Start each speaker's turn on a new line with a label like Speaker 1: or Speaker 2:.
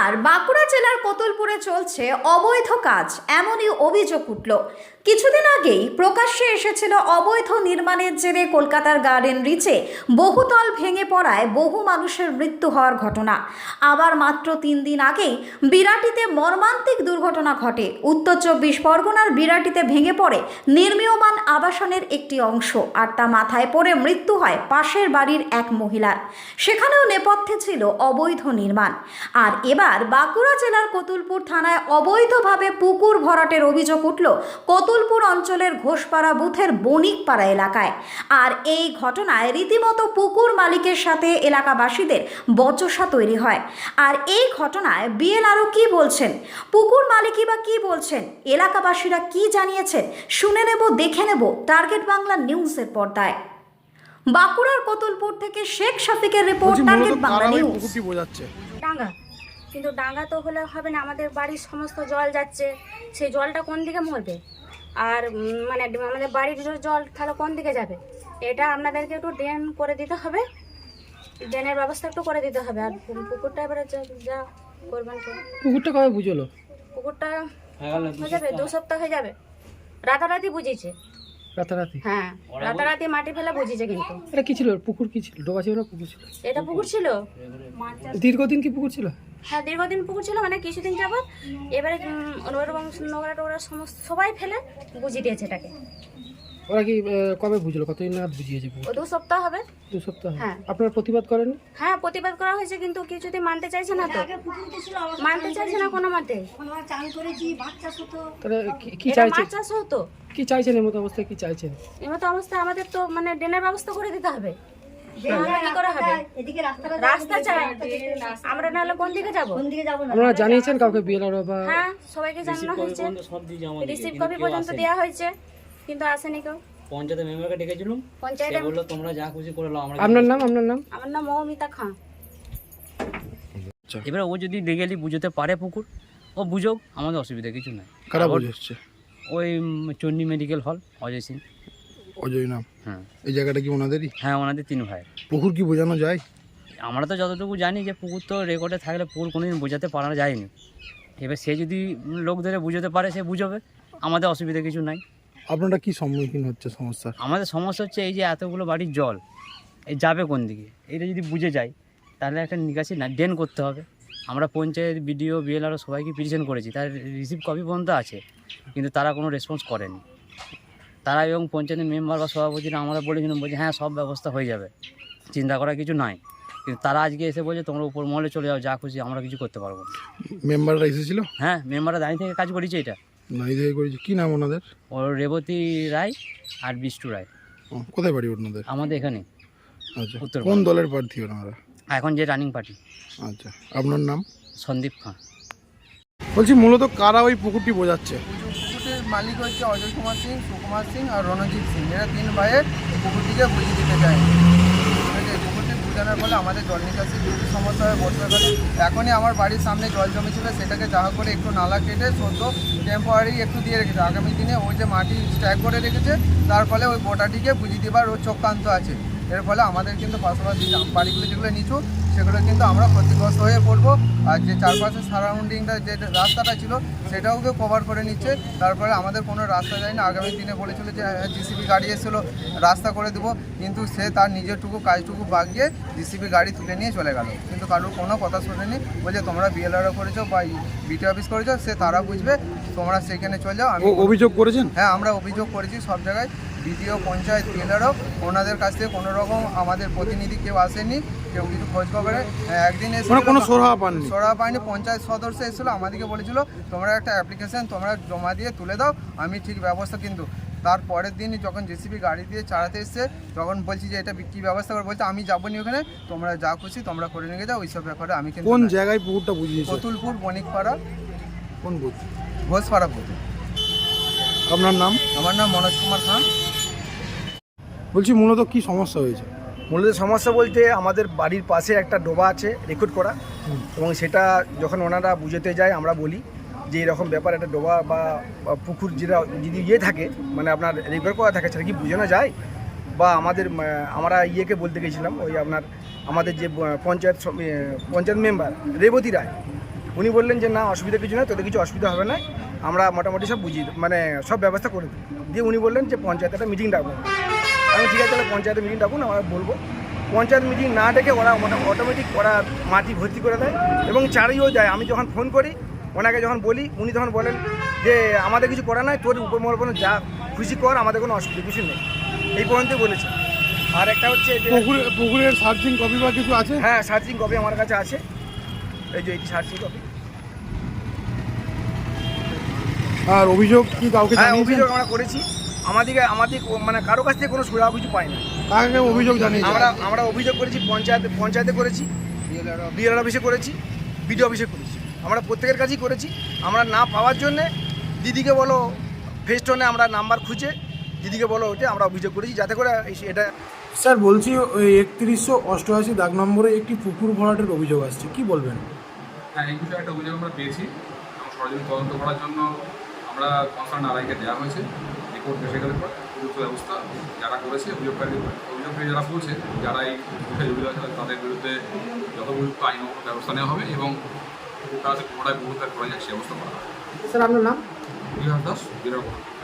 Speaker 1: এবার বাঁকুড়া জেলার কতুলপুরে চলছে অবৈধ কাজ, এমনই অভিযোগ উঠল। কিছুদিন আগেই প্রকাশ্যে এসেছিল অবৈধ নির্মাণের জেরে কলকাতার গার্ডেন রিচে বহুতল ভেঙে পড়ায় বহু মানুষের মৃত্যু হওয়ার ঘটনা। আবার মাত্র 3 দিন আগেই বিরাটিতে মর্মান্তিক দুর্ঘটনা ঘটে। উত্তর 24 পরগনার বিরাটিতে ভেঙে পড়ে নির্মীয়মান আবাসনের একটি অংশ, আর তা মাথায় পড়ে মৃত্যু হয় পাশের বাড়ির এক মহিলার। সেখানেও নেপথ্যে ছিল অবৈধ নির্মাণ। আর এবার বাঁকুড়া জেলার কতুলপুর থানায় অবৈধভাবে পুকুর ভরাটের অভিযোগ উঠল কতুলপুর অঞ্চলের ঘোষপাড়া বুথের বণিকপাড়া এলাকায়। আর এই ঘটনায় রীতিমতো পুকুর মালিকের সাথে এলাকাবাসীদের বচসা তৈরি হয়। আর এই ঘটনায় বিএলআরও কি বলছেন, পুকুর মালিকই বা কি বলছেন, এলাকাবাসীরা কি জানিয়েছেন, শুনে নেব, দেখে নেব টার্গেট বাংলা নিউজের পর্দায়। বাঁকুড়ার কতুলপুর থেকে শেখ শফিকের রিপোর্ট, টার্গেট বাংলা নিউজ।
Speaker 2: ডাঙ্গা, কিন্তু ডাঙ্গা তো হলে হবে না, আমাদের বাড়ির সমস্ত জল যাচ্ছে, সেই জলটা কোন দিকে মরবে? আর মানে আমাদের বাড়ির জল তাহলে কোন দিকে যাবে? এটা আপনাদেরকে একটু ড্রেন করে দিতে হবে, ড্রেনের ব্যবস্থা একটু করে দিতে হবে। আর পুকুরটা এবারে যা করবেন করুন।
Speaker 3: পুকুরটা কবে বুঝলো?
Speaker 2: পুকুরটা হয়ে যাবে 2 সপ্তাহ হয়ে যাবে। রাতারাতি বুঝিয়েছে,
Speaker 3: রাতারাতি?
Speaker 2: হ্যাঁ, রাতারাতি মাটি ফেলে বুঝিয়েছে। কিন্তু
Speaker 3: এটা কি ছিল? পুকুর কি ছিল? ডোবা ছিল না পুকুর ছিল?
Speaker 2: এটা পুকুর ছিল।
Speaker 3: দীর্ঘদিন কি পুকুর ছিল?
Speaker 2: হ্যাঁ, দীর্ঘদিন পুকুর ছিল, মানে কিছুদিন যাবত। এবারে নোংরা টোংরা সমস্ত সবাই ফেলে বুঝিয়ে দিয়েছে এটাকে।
Speaker 3: ওরা কি কবে বুঝলো? কতদিন নাগাদ বুঝিয়েছে পুকুর?
Speaker 2: 2 সপ্তাহ হবে।
Speaker 3: 2 সপ্তাহ?
Speaker 2: হ্যাঁ।
Speaker 3: আপনারা প্রতিবাদ করেন?
Speaker 2: হ্যাঁ, প্রতিবাদ করা হয়েছে, কিন্তু কিছুতেই মানতে চাইছে না। তো মানতে চাইছে না কোনো মতে।
Speaker 3: তাহলে কি চাইছেন?
Speaker 2: মাছ চাষ হতো।
Speaker 3: কি চাইছেন এমত অবস্থায়? কি চাইছেন?
Speaker 2: এমতো অবস্থায় আমাদের তো মানে ড্রেনের ব্যবস্থা করে দিতে হবে। কি করে হবে? রাস্তা চাই আমরা, নাহলে কোন দিকে যাবো?
Speaker 3: আপনারা জানিয়েছেন কাউকে, বিএলআরও বা?
Speaker 2: হ্যাঁ, সবাইকে জানানো হয়েছে, রিসিভ কপি পর্যন্ত দেওয়া হয়েছে, কিন্তু আসেনি কেউ।
Speaker 4: পঞ্চায়েতের মেম্বারকে ডেকেছিলাম,
Speaker 2: পঞ্চায়েতে
Speaker 4: বললো তোমরা যা খুশি করে নাও। আমরা
Speaker 3: আপনার নাম? আপনার নাম?
Speaker 2: আমার নাম মৌমিতা খান।
Speaker 4: এবার ও যদি লিগেলি বুঝতে পারে পুকুর, ও বুঝুক, আমাদের অসুবিধা কিছু নাই।
Speaker 5: কারা বুঝাচ্ছে?
Speaker 4: ওই চন্ডী মেডিকেল হল, অজয় সিং।
Speaker 5: অজয় নাম?
Speaker 4: হ্যাঁ।
Speaker 5: এই জায়গাটা কি ওনাদেরই?
Speaker 4: হ্যাঁ, ওনাদের 3 ভাই।
Speaker 5: পুকুর কি বোঝানো যায়?
Speaker 4: আমরা তো যতটুকু জানি যে পুকুর তো রেকর্ডে থাকলে পুকুর কোনোদিন বোঝাতে পারা যায়নি। এবার সে যদি লোক ধরে বুঝতে পারে, সে বুঝবে, আমাদের অসুবিধা কিছু নাই।
Speaker 5: আপনারা কি সম্মুখীন হচ্ছে সমস্যার?
Speaker 4: আমাদের সমস্যা হচ্ছে এই যে এতগুলো বাড়ির জল এই যাবে কোন দিকে, এটা যদি বুঝে যায় তাহলে একটা নিকাশি না ড্রেন করতে হবে। আমরা পঞ্চায়েত, বিডিও, বিএলআরও সবাইকে পিটিশন করেছি, তার রিসিভ কপি পর্যন্ত আছে, কিন্তু তারা কোনো রেসপন্স করেনি। তারা এবং পঞ্চায়েতের মেম্বার বা সভাপতিরা আমরা বলেছিলাম, বলছে হ্যাঁ সব ব্যবস্থা হয়ে যাবে, চিন্তা করার কিছু নাই। কিন্তু তারা আজকে এসে বলছে তোমরা উপর মহলে চলে যাও, যা খুশি, আমরা কিছু করতে পারবো না।
Speaker 5: মেম্বাররা এসেছিল?
Speaker 4: হ্যাঁ, মেম্বাররা দাঁড়িয়ে থেকে কাজ করেছে এটা।
Speaker 5: নাই থেকে করেছে। কি নাম ওনাদের?
Speaker 4: ওর রেবতী রায় আর বিষ্টু রায়।
Speaker 5: কোথায় বাড়ি ওনাদের?
Speaker 4: আমাদের এখানে।
Speaker 5: আচ্ছা,
Speaker 4: উত্তর
Speaker 5: কোন দলের প্রার্থী ওনারা?
Speaker 4: এখন যে রানিং পার্টি।
Speaker 5: আচ্ছা, আপনার নাম?
Speaker 4: সন্দীপ খান।
Speaker 5: বলছি মূলত কারা ওই পুকুরটি বোঝাচ্ছে?
Speaker 6: পুকুরটির মালিক হচ্ছে অজয় কুমার সিং, সুকুমার সিং আর রণজিৎ সিং। এরা 3 ভাইয়ের পুকুরটিকে বুঝিয়ে দিতে চায়। ঠিক আছে, পুকুরটি বুঝানোর ফলে আমাদের জল নিকাশি খুবই সমস্যা হয় বর্ষাকালে। এখনই আমার বাড়ির সামনে জল জমেছিল, সেটাকে যা করে একটু নালা কেটে সদ্য টেম্পোরারি একটু দিয়ে রেখেছে। আগামী দিনে ওই যে মাটি স্ট্যাক করে রেখেছে, তার ফলে ওই গোটাটিকে বুঝিয়ে দেবার ও চক্রান্ত আছে। এর ফলে আমাদের কিন্তু পাশাপাশি বাড়িগুলো যেগুলো নিচু, সেগুলো কিন্তু আমরা ক্ষতিগ্রস্ত হয়ে পড়বো। আর যে চারপাশে সারাউন্ডিংটা যে রাস্তাটা ছিল, সেটাওকে কভার করে নিচ্ছে। তারপরে আমাদের কোনো রাস্তা যায় না। আগামী দিনে বলেছিল যে জিসিবি গাড়ি এসেছিলো, রাস্তা করে দেবো, কিন্তু সে তার নিজেরটুকু কাজটুকু বাগিয়ে জিসিবি গাড়ি তুলে নিয়ে চলে গেল। কিন্তু কারোর কোনো কথা শোনেনি। বলছে তোমরা বিএলআরও করেছো বা বিটি অফিস করেছো, সে তারা বুঝবে, তোমরা সেখানে চলে যাও। আমি
Speaker 5: অভিযোগ করেছেন?
Speaker 6: হ্যাঁ, আমরা অভিযোগ করেছি সব জায়গায়, বিডিও, পঞ্চায়েত, বিএলআরও। ওনাদের কাছ থেকে কোনো রকম আমাদের প্রতিনিধি কেউ আসেনি, কেউ কিছু খোঁজ খবরে। একদিন এসে
Speaker 5: কোনো সরহা পাননি?
Speaker 6: সরহা পায়নি। পঞ্চায়েত সদস্য এসেছিলো, আমাদেরকে বলেছিল তোমরা একটা অ্যাপ্লিকেশন তোমরা জমা দিয়ে তুলে দাও, আমি ঠিক ব্যবস্থা। কিন্তু তার পরের দিনই যখন জেসিবি গাড়ি দিয়ে চালাতে এসছে, তখন বলছি যে এটা কী ব্যবস্থা করে, বলছে আমি যাবো নি ওখানে, তোমরা যা খুশি তোমরা করে নিয়ে যাও, ওইসব ব্যাপারে আমি কিন্তু।
Speaker 5: কোন জায়গায় পুকুরটা বুঝিয়েছে?
Speaker 6: কতুলপুর বণিকপাড়া।
Speaker 5: কোন বুথ?
Speaker 6: ঘোষপাড়া বুথ।
Speaker 5: আপনার নাম?
Speaker 6: আমার নাম মনোজ কুমার খান।
Speaker 5: বলছি মূলত কি সমস্যা হয়েছে?
Speaker 7: মূলত সমস্যা বলতে আমাদের বাড়ির পাশে একটা ডোবা আছে রেকর্ড করা, এবং সেটা যখন ওনারা বুঝতে যায় আমরা বলি যে এরকম ব্যাপার, একটা ডোবা বা পুকুর যেটা যদি থাকে, মানে আপনার রেকর্ড করা থাকে, সেটা কি বোঝানো যায়? বা আমরা ইয়েকে বলতে গেছিলাম, ওই আমাদের যে পঞ্চায়েত মেম্বার রেবতী রায়, উনি বললেন যে না অসুবিধা কিছু না, তোদের কিছু অসুবিধা হবে না, আমরা মোটামুটি সব বুঝিয়ে মানে সব ব্যবস্থা করে দিই। দিয়ে উনি বললেন যে পঞ্চায়েতে একটা মিটিং ডাকুন। আমি ঠিক আছে, তাহলে পঞ্চায়েতে মিটিং ডাকুন, আমরা বলবো। পঞ্চায়েত মিটিং না ডেকে ওরা অটোমেটিক ওরা মাটি ভর্তি করে দেয় এবং চারিও যায়। আমি যখন ফোন করি ওনাকে, যখন বলি, উনি তখন বলেন যে আমাদের কিছু করা নাই, তোর উপর যা খুশি কর, আমাদের কোনো অসুবিধা কিছু নেই, এই পর্যন্তই বলেছে। আর একটা হচ্ছে যে
Speaker 5: পুকুরের সার্চিং কপি বা কিছু আছে?
Speaker 7: হ্যাঁ, সার্চিং কপি আমার কাছে আছে, এই যে এই সার্চিং কপি।
Speaker 5: আর অভিযোগ কি কাউকে
Speaker 7: হ্যাঁ,
Speaker 5: জানিয়েছেন?
Speaker 7: অভিযোগ আমরা করেছি। আমাদের মানে কারো কাছ থেকে কোনো সুরা কিছু পাই না।
Speaker 5: কাকে অভিযোগ জানিয়েছেন?
Speaker 7: আমরা অভিযোগ করেছি পঞ্চায়েতে করেছি, বিএলআর অফিসে করেছি, বিডিও অফিসে করেছি, আমরা প্রত্যেকের কাছেই করেছি। আমরা না পাওয়ার জন্যে দিদিকে বলো ফেস্টনে আমরা নাম্বার খুঁজে দিদিকে বলো ওটা আমরা অভিযোগ করেছি, যাতে করে এটা।
Speaker 5: স্যার বলছি, ওই 3188 দাগ নম্বরে একটি পুকুর ভরাটের অভিযোগ আসছে, কি বলবেন?
Speaker 8: হ্যাঁ, এই বিষয়ে একটা অভিযোগ আমরা পেয়েছি এবং সরজমিন তদন্ত করার জন্য আমরা কনসার্ন আড়াইকে দেওয়া হয়েছে। রিপোর্ট এসে গেলে পর উপযুক্ত ব্যবস্থা যারা করেছে, অভিযোগকারী যারা বলছে, যারা এই বিষয়ে জড়িত আছে তাদের বিরুদ্ধে যথোপযুক্ত আইনগত ব্যবস্থা নেওয়া হবে এবং পুকুরটা পুনরায় পুকুরটা করা যায় সে ব্যবস্থা করা হবে।
Speaker 3: স্যার আপনার নাম?
Speaker 8: বিহার দাস, বিরাট